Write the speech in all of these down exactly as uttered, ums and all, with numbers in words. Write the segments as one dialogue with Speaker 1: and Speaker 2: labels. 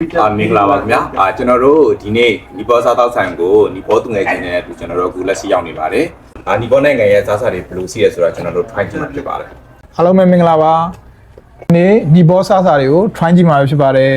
Speaker 1: အာမင်္ဂလာပါခင်ဗျာအာကျွန်တော်တို့ဒီနေ့နီပေါ်စားတောက်ဆိုင်ကိုနီပေါ်သူငယ်ချင်းနဲ့အတူကျွန်တော်တို့အခုလက်ရှိရောက်နေပါတယ်အာနီပေါ်နိုင်ငံရဲ့စားစာတွေဘယ်လိုရှိရဲဆိုတာကျွန်တော်တို့ try ကြည့်မှာဖြစ်ပါတယ်
Speaker 2: အားလုံးပဲမင်္ဂလာပါဒီနေ့နီပေါ်စားစာတွေကို try ကြည့်မှာဖြစ်ပါတယ်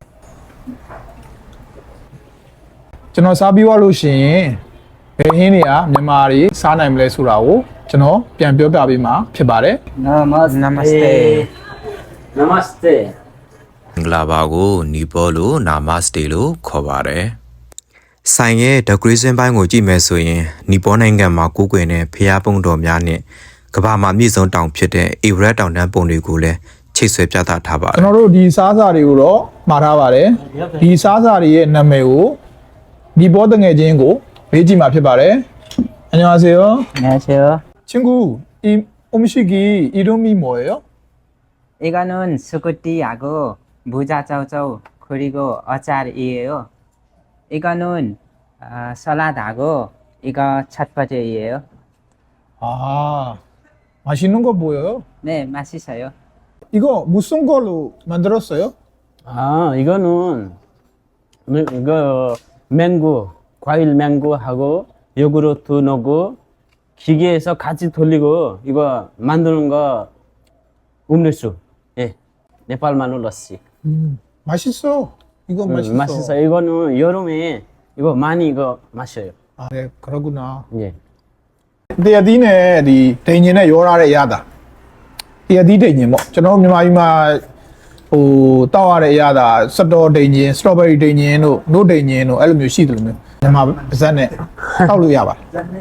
Speaker 2: ကျွန်တော်စားပြီးသွားလို့ရှိရင်ဘယ်ဟင်းတွေကမြန်မာတွေစားနိုင်မလဲဆိုတာကိုကျွန်တော်ပြန်ပြောပြပေးမှာဖြစ်ပါတယ်
Speaker 3: Namaste. Namaste. Namaste.
Speaker 4: မင်္ဂလာပါကိုနီပေါ်လို့နာမစတေလို့ခေါ်ပါတယ်။ဆိုင်ရဲ့ decoration ဘိုင်းကိုကြည့်မယ်ဆိုရင်နီပေါ်နိုင်ငံမှာကိုးကွယ်တဲ့ဖျားပုံတော်များနဲ့ကမ္ဘာမှာအမြင့်ဆုံးတောင်ဖြစ်တဲ့အေဗရက်တောင်တန်းပုံတွေကိုလည်းချိတ်ဆွဲပြသထားပါတယ်
Speaker 2: ကျွန်တော်တို့ဒီစားစာတွေကိုတော့မှာထားပါတယ်ဒီစားစာတွေရဲ့နာမည်ကိုနီပေါ်တငယ်ချင်းကိုပေးကြည့်မှာဖြစ်ပါတယ်안녕하세요
Speaker 3: 안녕하세요.
Speaker 2: 친구 이 음식이 이름이 뭐예요?
Speaker 3: 이거는 스쿠티하고 무자쩌쩌 그리고 어짜리예요. 이거는 어, 샐러드하고 이거 찻바지예요.
Speaker 2: 아 맛있는 거 보여요?
Speaker 3: 네, 맛있어요.
Speaker 2: 이거 무슨 걸로 만들었어요?
Speaker 5: 아, 이거는 뭐, 이거 맹고, 과일 맹고하고 요구르트 넣고 기계에서 같이 돌리고 이거 만드는 거 음료수. 예. 네팔 마늘러시.
Speaker 2: 음, 맛있어. 이거
Speaker 5: 음,
Speaker 2: 맛있어.
Speaker 5: 맛있어요. 이거는 여름에 이거 많이 이거 마셔요.
Speaker 2: 아, 네, 그러구나.
Speaker 5: 예.
Speaker 2: 근데 어디네, 이 대인이네 요라래 야다. 이 어디 대인 뭐, 저는မြန်မာပြည်မှာဟိုတောက်ရတဲ့ရတာစတော်ဒိန်ဂျင်စတော်ဘယ်ရီဒိန်ဂျင်တို့နို့ဒိန်ဂျင်တို့အဲ့လိုမျိုးရှိတယ်လို့မျိုးမြန်မာပါဇက်နဲ့တောက်လို့ရပါတယ်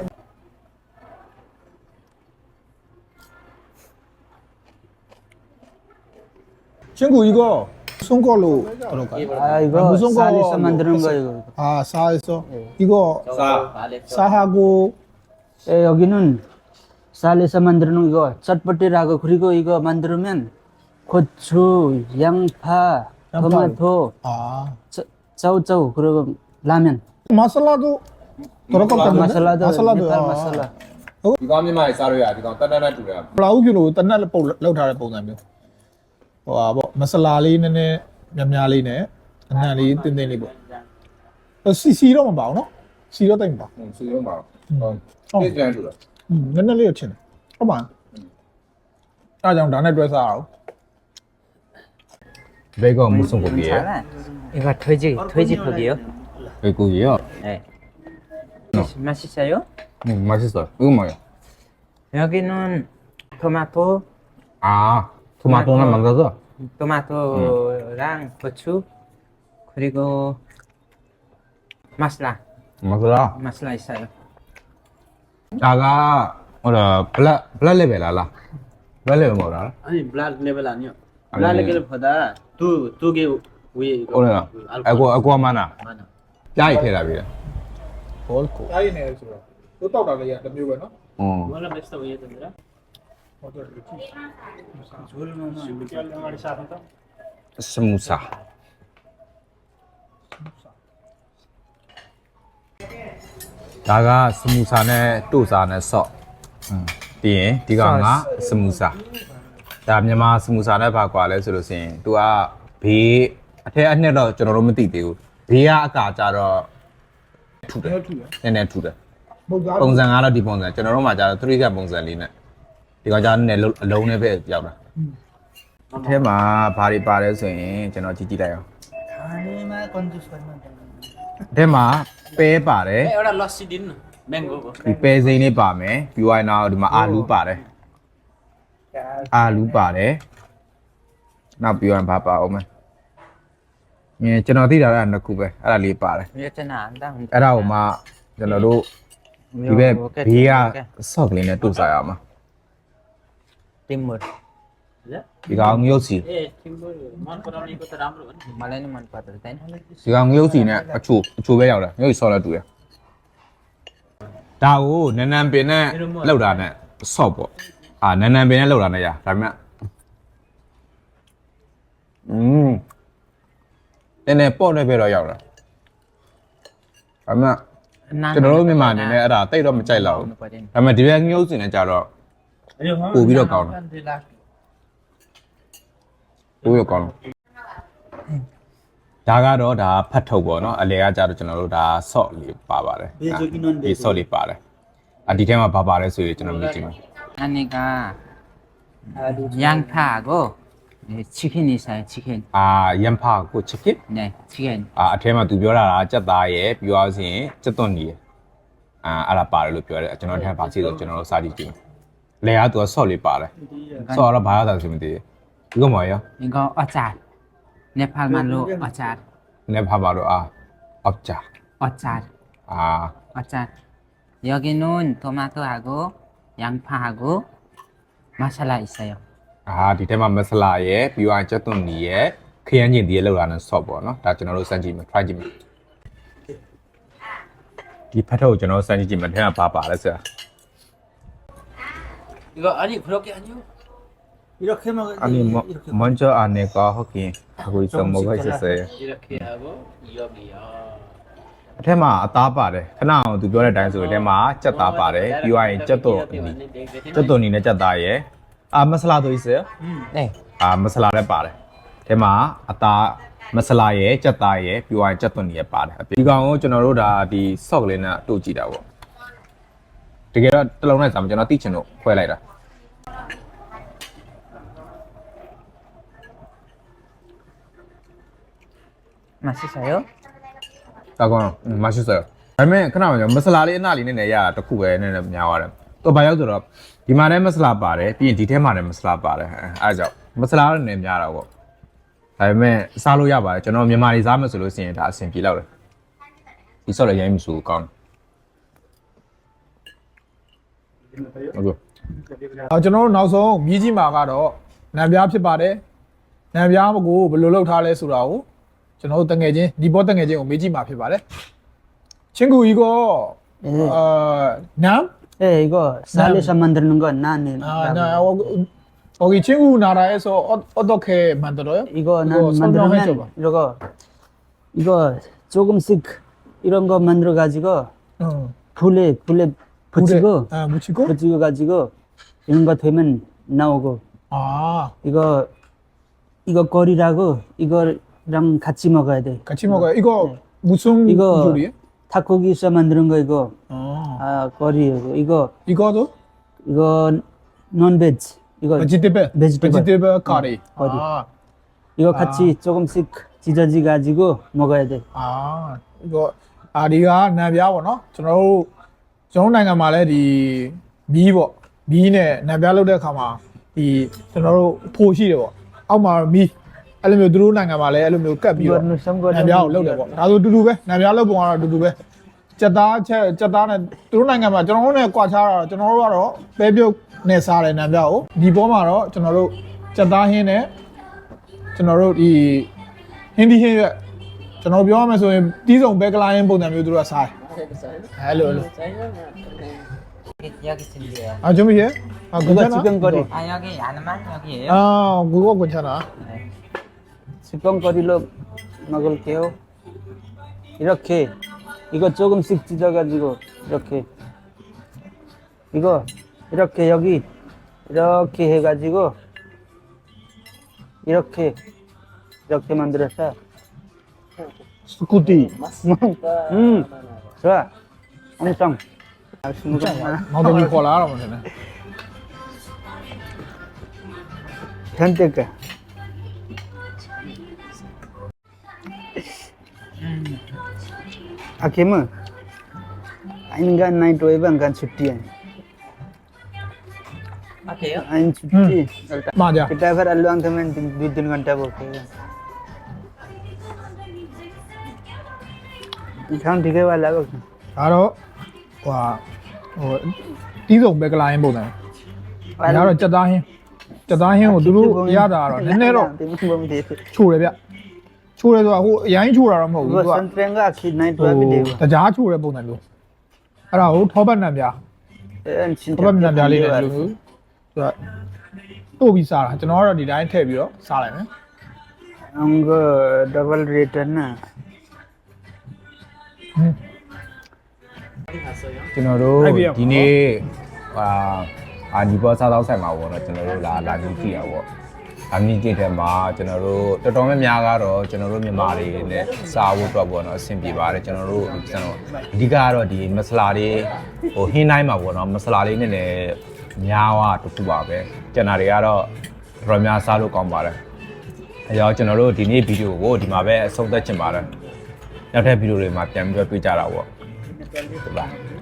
Speaker 2: 친구 이거 무슨 걸로 그럴까요?
Speaker 5: 아, 이거
Speaker 2: 무슨
Speaker 5: 쌀에서
Speaker 2: 걸로
Speaker 5: 만드는
Speaker 2: 했어요?
Speaker 5: 거예요.
Speaker 2: 아, 쌀에서 이거
Speaker 1: 사
Speaker 2: 쌀하고
Speaker 5: 예, 여기는 쌀에서 만드는 이거 잣버티라고 그리고 이거 만들면 고추, 양파,
Speaker 2: 양파.
Speaker 5: 토마토,
Speaker 2: 아,
Speaker 5: 짜- 짜우짜우 그리고 라면.
Speaker 2: 마살라도 들어갈
Speaker 5: 아,
Speaker 2: 건데?
Speaker 5: 마살라도
Speaker 2: 마살라도
Speaker 5: 네팔
Speaker 2: 아.
Speaker 5: 마살라.
Speaker 1: ဒီကောင်မြန်မာတွေစားလို့ရဒီကောင်တတ်တတ်နဲ့တူတယ်
Speaker 2: ဘလောက်ကီလိုတနက်ပုတ်လောက်ထားတဲ့ပုံစံမျိုးဟိုဟာပေါ့မဆလာလေးနည်းနည်းများများလေးနဲ့အနှံလေးတင်းတင်းလေးပေါ့ဟိုစီစီတော့မပါဘူးเนาะစီတော့တိတ်မပါ
Speaker 1: ဟွန်းစီလုံးပါဟုတ်ပြည့်ကျန်းတူတယ်
Speaker 2: อืมနည်းနည်းလေးတော့ချင်းတယ်ဟုတ်ပါအားကြောင့်ဒါနဲ့တွဲစားအောင်
Speaker 1: ဘေကောမူဆုံကိုပြည့်
Speaker 3: 괜찮아. 이거 돼지 돼지고기요?
Speaker 1: ဘေကိုကြီးရော
Speaker 3: 네. 맛있어요?
Speaker 1: 음 맛있어 이거 뭐야
Speaker 3: 여기는 토마토,
Speaker 1: 아 토마토랑 만들어서
Speaker 3: 토마토랑 고추 그리고 마슬라,
Speaker 1: 맛있어
Speaker 3: 마슬라 있어요.
Speaker 1: 다가 뭐라 블랙 블랙 레벨 알아 블랙 레벨 뭐라
Speaker 5: 아니 블랙 레벨 아니요.
Speaker 1: 아니,
Speaker 5: 블랙
Speaker 1: 아니.
Speaker 5: 레벨보다 두두개 위에 이거.
Speaker 1: 오늘 아고 아고 많아
Speaker 5: 많아.
Speaker 1: 짜이 태라 비라
Speaker 2: ဘောကိုတိုင်းနေဆိုတော့သူတောက်တာလေးကတစ်မျိုးပဲเนาะ
Speaker 1: 어
Speaker 5: 뭐라 맛있어 보이던데?
Speaker 2: ဟုတ်တယ်ကြည့်
Speaker 1: 스무사 다가 스무사네 또사네 서 음. ပြီးရင်ဒီကောင်ကစမူစာဒါမြန်မာစမူစာနဲ့ဘာကွာလဲဆိုလို့ရှိရင် तू ကဘေးအထက်အနှစ်တော့ကျွန်တော်တို့မသိသေးဘူးဘေးကအကာကြတော့ထူတယ်
Speaker 2: တယ်ထူတယ်
Speaker 1: နည်းနည်းထူတယ်
Speaker 2: ပုတ်သား
Speaker 1: ပုံစံကတော့ဒီပုံစံကျွန်တော်တို့မှာကျတော့3ကပုံစံလေးနဲ့ဒီကောင်ကျတော့နည်းနည်းအလုံးနဲ့ပဲရောက်တာအထက်မှာဘာတွေပါလဲဆိုရင်ကျွန်တော်ကြည့်ကြည့်လိုက်အောင်
Speaker 5: 아니마 건조선만.
Speaker 1: အထက်မှာပဲပါတယ်
Speaker 5: 에어라 러시 딘 맹고.
Speaker 1: ဒီပဲစိမ်းလေးပါမယ်ပြီးသွားရင်တော့ဒီမှာအာလူးပါတယ်အာလူးပါတယ်နောက်ပြီးရင်ဘာပါအောင်မလဲငယ်ကျွန်တော်သိတာကနှစ်ခုပဲအဲ့ဒါလေးပါတယ်
Speaker 3: 여자는 안다.
Speaker 1: အဲ့ဒါကိုမှကျွန်တော်တို့ဒီဘက်ဘေးကဆော့ကလေးနဲ့တို့စားရအောင်
Speaker 3: 띵물.
Speaker 1: ဒီကောင်ငရုတ်စီ
Speaker 5: 예, 팀볼 만 거라니 이거 다 라므로.
Speaker 3: 말레는 만 받을 땐.
Speaker 1: ဒီကောင်ငရုတ်စီနဲ့အချိုအချိုပဲရောက်တယ်ငရုတ်ဆော့လဲတူတယ်ဒါကိုနန်းနန်းပင်နဲ့လောက်တာနဲ့ဆော့ပေါ့အာနန်းနန်းပင်နဲ့လောက်တာနဲ့ရဒါပေမဲ့อืมနည်းနည်းပေါ့နေပဲတော့ရောက်တာဒါပေမဲ့ကျွန်တော်တို့မြန်မာအနေနဲ့အဲ့ဒါတိတ်တော့မကြိုက်တော့ဘူးဒါပေမဲ့ဒီဘက်ငရုတ်စီနဲ့ကြတော့ ပို့ပြီးတော့ကောင်းတယ်ပို့ပြီးတော့ကောင်းတယ်ဒါကတော့ဒါဖတ်ထုတ်ပေါ့နော်အလဲကကြတော့ကျွန်တော်တို့ဒါ salt လေးပါပါတယ်ဒီ salt လေးပါတယ်အဒီထဲမှာဘာပါလဲဆိုရင်ကျွန်တော်မြင်ကြည့်မယ်
Speaker 3: 아니가 양파하고 네, 치킨 있어요. 치킨.
Speaker 1: အာရန်ဖာကိုချစ်ကစ်
Speaker 3: 네, 치킨.
Speaker 1: အာအထဲမှာသူပြောတာကကြက်သားရဲ့ပြောရစီရင်ကြက်သွန်ကြီးရဲ့အာအဲ့ဒါပါတယ်လို့ပြောတယ်ကျွန်တော်ထဲမှာပါစီဆိုကျွန်တော်တို့စာကြည့်ကြည့်လဲကသူက salt လေးပါတယ် salt တော့ဘာရတာဆိုမသိဘူးဒီကမော်ရော
Speaker 3: 이거 어짤. 네팔 말로 어짤.
Speaker 1: နည်းဖာပါတော့အာအောက်ကြ
Speaker 3: 어짤.
Speaker 1: အာ
Speaker 3: 어짤. 여기는 토마토하고 양파하고 마살라 있어요.
Speaker 1: အာဒီထဲမှာမဆလာရဲ့ပြီးတော့ကြက်သွန်ကြီးရဲ့ခရမ်းကျင်ဒီရဲ့လောက်လာတဲ့ salt ပေါ့နော်ဒါကျွန်တော်တို့စမ်းကြည့်မယ် try ကြည့်မယ်ဒီဖတ်ထုတ်ကိုကျွန်တော်စမ်းကြည့်မယ်ထဲမှာဘာပါလဲဆရာ
Speaker 5: 이거 아니 그렇게 아니요. 이렇게 먹
Speaker 1: 아니 뭐 먼저 안에가 하긴 하고 있어 뭐가 있었어요.
Speaker 5: 이렇게 하고 이거요.
Speaker 1: အထက်မှာအသားပါတယ်ခဏအောင်သူပြောတဲ့အတိုင်းဆိုရင်အထက်မှာကြက်သားပါတယ်ပြီးသွားရင်ကြက်သွန်ကြက်သွန်နေနဲ့ကြက်သားရယ်အာမဆလာတို့ 있어요?
Speaker 3: 네.
Speaker 1: အာမဆလာလည်းပါတယ်အထက်မှာအသားမဆလာရယ်ကြက်သားရယ်ပြီးသွားရင်ကြက်သွန်နေရယ်ပါတယ်ဒီကောင်ကိုကျွန်တော်တို့ဒါဒီ sock လေးနဲ့တို့ကြည့်တာပေါ့တကယ်တော့တစ်လုံးနဲ့စာမကျွန်တော်သိချင်လို့ခွဲလိုက်တာ
Speaker 3: 맛있어요?
Speaker 1: ဒါကောင်မရှိစေဒါပေမဲ့ခဏမှမဆလာလေးအနှလေးနဲ့နေရတာတခုပဲနည်းနည်းများသွားတယ်သူဘာရောက်ဆိုတော့ဒီမှာလည်းမဆလာပါတယ်ပြီးရင်ဒီထဲမှာလည်းမဆလာပါတယ်အဲအဲကြောင့်မဆလာလည်းနည်းများတာပေါ့ဒါပေမဲ့စားလို့ရပါတယ်ကျွန်တော်မြန်မာတွေစားမယ်ဆိုလို့ရှိရင်ဒါအဆင်ပြေတော့တယ်ဒီဆော့လည်းရိုင်းမဆိုကောင်းဟုတ်ကဲ့
Speaker 2: အော်ကျွန်တော်တို့နောက်ဆုံးမြည်ကြီးမှာကတော့နံပြားဖြစ်ပါတယ်နံပြားကိုဘယ်လိုလုပ်ထားလဲဆိုတာကိုကျွန်တော်တို့တငယ်ချင်းဒီဘောတငယ်ချင်းကိုမေးကြည့်မှာဖြစ်ပါတယ်ချင်းကူကြီးကအာနမ်
Speaker 5: 예, 이거 쌀에서 만드는 거 나는.
Speaker 2: 아나 거기 친구 나라에서 어, 어떻게 만들어요?
Speaker 5: 이거 난
Speaker 2: 설명해줘 봐.
Speaker 5: 만들면 이거 이거 조금씩 이런 거 만들어 가지고
Speaker 2: 응.
Speaker 5: 불에 불에 붙이고
Speaker 2: 아, 묻히고?
Speaker 5: 붙이고 가지고 이런 거 되면 나오고
Speaker 2: 아,
Speaker 5: 이거 이거 거리라고 이거랑 같이 먹어야 돼.
Speaker 2: 같이 먹어요. 이거
Speaker 5: 네.
Speaker 2: 무슨
Speaker 5: 이거
Speaker 2: 요리예요?
Speaker 5: 닭고기에서 만드는 거 이거
Speaker 2: 아,
Speaker 5: 아 거리고 이거
Speaker 2: 이거도
Speaker 5: 이거 논베지 이거
Speaker 2: 베지테이블,
Speaker 5: 베지테이블.
Speaker 2: 베지테이블 카리.
Speaker 5: 거리.
Speaker 2: 아,
Speaker 5: 이거 같이 조금씩 찢어지 가지고 먹어야 돼.
Speaker 2: 아, 이거 아리가 나비아고 너? 저는 저는 나이가 말해 이 미버 미네 나비아로 될 가마 이 저는 포시래 뭐. 아마 미. အဲ့လိုမျိုးသူတို့နိုင်ငံမှာလည်းအဲ့လိုမျိုးကတ်ပြီးတော့နံပြားကိုလုပ်တယ်ပေါ့ဒါဆိုတူတူပဲနံပြားလုပ်ပုံကတော့တူတူပဲစက်သားချက်စက်သားနဲ့သူတို့နိုင်ငံမှာကျွန်တော်တို့နဲ့ကွာခြားတာကျွန်တော်တို့ကတော့ပဲပြုတ်နဲ့စားတယ်နံပြားကိုဒီဘောမှာတော့ကျွန်တော်တို့စက်သားဟင်းနဲ့ကျွန်တော်တို့ဒီဟင်းဒီဟင်းရွက်ကျွန်တော်ပြောရမယ်ဆိုရင်တီးစုံဘဲကလာရင်ပုံစံမျိုးသူတို့ကစားတယ်အဲ့လိုလို
Speaker 3: 여기 준비해요.
Speaker 2: 아 준비해? 아
Speaker 5: 이거
Speaker 2: 괜찮아?
Speaker 5: 지금 거리
Speaker 3: 아 여기 야는만 여기에요?
Speaker 2: 아 그거 괜찮아
Speaker 5: 지금 거리로 먹을게요. 이렇게 이거 조금씩 찢어 가지고 이렇게 이거 이렇게 여기 이렇게 해 가지고 이렇게 이렇게 만들었어.
Speaker 2: 스쿠티
Speaker 5: 음, 좋아. 엄청.
Speaker 2: 나도 이거 알아 보네
Speaker 5: 현대가. Akhirnya, ini kan naik dua bang kan cuti ya.
Speaker 3: 어때요?
Speaker 5: Ini cuti.
Speaker 2: 맞아
Speaker 5: Kita fer aluang temen dua tiga घंटा बोलते हैं. Ikan tiga वाला को.
Speaker 2: ဒါတော့ဟိုဟိုတီးစုံဘဲကလာရင်ပုံစံဒါကတော့စက်သားဟင်းစက်သားဟင်းကိုသူတို့ရတာတော့နည်းနည်းတော့
Speaker 5: बोम दे.
Speaker 2: ချိုတယ်ဗျချိုတယ်ဆိုတာဟိုအရင်ချိုတာတော့မဟုတ်ဘူး
Speaker 5: वो
Speaker 2: သူက
Speaker 5: संतरेंगा आखिर नाइट
Speaker 2: ဟို
Speaker 5: दो भी दे.
Speaker 2: တကြားချိုတဲ့ပုံစံမျိုးအဲ့ဒါကိုထောပတ်နံပြား
Speaker 5: चिंता.
Speaker 2: ထောပတ်နံပြားလေးနဲ့လူမျိုးသူကတို့ပြီးစားတာကျွန်တော်ကတော့ဒီတိုင်းထည့်ပြီးတော့စားလိုက်မယ်
Speaker 5: हमको डबल रेट है ना.
Speaker 1: ကျွန်တော်တို့ဒီနေ့ဟာအာဒီဘောစားတော့ဆိုင်မှာပေါ့နော်ကျွန်တော်တို့လာလာကြည့်ကြည့်ရပေါ့အမီကစ်ထဲမှာကျွန်တော်တို့တော်တော်များများကတော့ကျွန်တော်တို့မြန်မာတွေနဲ့စားဖို့တော့ပေါ့နော်အဆင်ပြေပါတယ်ကျွန်တော်တို့ကျွန်တော်အဓိကကတော့ဒီမဆလာတွေဟိုဟင်းတိုင်းမှာပေါ့နော်မဆလာလေးနဲ့လည်းများသွားတူတူပါပဲကျွန်တော်တွေကတော့တော်တော်များစားလို့ကောင်းပါတယ်အဲကြောင့်ကျွန်တော်တို့ဒီနေ့ဗီဒီယိုကိုဒီမှာပဲအဆုံးသတ်ချင်ပါတယ်နောက်ထပ်ဗီဒီယိုတွေမှာပြန်ပြီးတော့တွေ့ကြတာပေါ့ဟုတ်ပါ